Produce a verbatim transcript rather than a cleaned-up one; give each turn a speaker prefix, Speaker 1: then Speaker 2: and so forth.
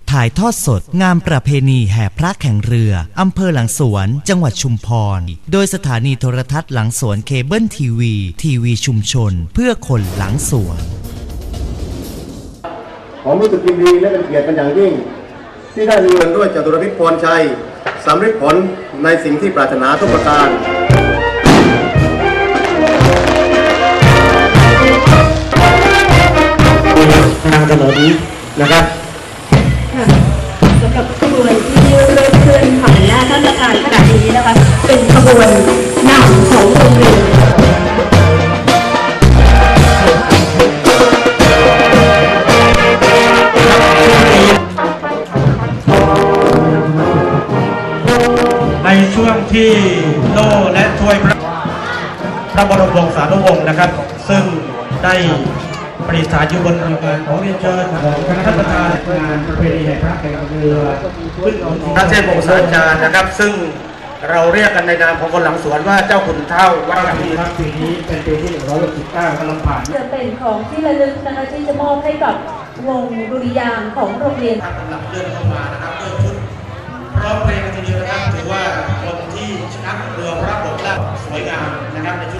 Speaker 1: ถ่ายทอดสดงานประเพณีแห่พระแข่งเรืออำเภอหลังสวนจังหวัดชุมพรโดยสถานีโทรทัศน์หลังสวนเคเบิลทีวีทีวีชุมชนเพื่อคนหลังสวน
Speaker 2: ผมรู้สึกยินดีและเป็นเกียรติเป็นอย่างยิ่งที่ได้มีเงินด้วยจตุรพิษพรชัยสำเร็จผลในสิ่งที่ปรารถนาทุกประการทางถนนนะครับ
Speaker 3: สำหรับขบวนที่เริ่มเคลื่อนผ่านหน้าท่านประธานขณะนี้นะคะเป็นขบวนนำของโรงเรียน
Speaker 4: ในช่วงที่โล่และถ้วยพระพระบรมวงศานุวงศ์นะครับซึ่งได้ประดิษฐานอยู่บนเรือของเรียนเชิญของคณะท่านประธานงานประเพณีแห่งพระแข่งเรือขึ้นพระเทพวงศาจารย์นะครับซึ่งเราเรียกกันในนามของคนหลังสวนว่าเจ้าขุนเท่าวัดปีครับปีนี้เป็นปีที่หนึ่งร้อยหกสิบเก้ากำลังผ่าน
Speaker 3: จะเป็นของที่ระลึกนะคะที่จะมอบให้กับวงดุริยางค์ของโรงเรียน
Speaker 4: กำลังเลื่อนเข้ามานะครับด้วยชุดร้องเพลงกันทีเดียวนะครับถือว่าคนที่ชนะเรือพระบกและสวยงามนะครับในชุด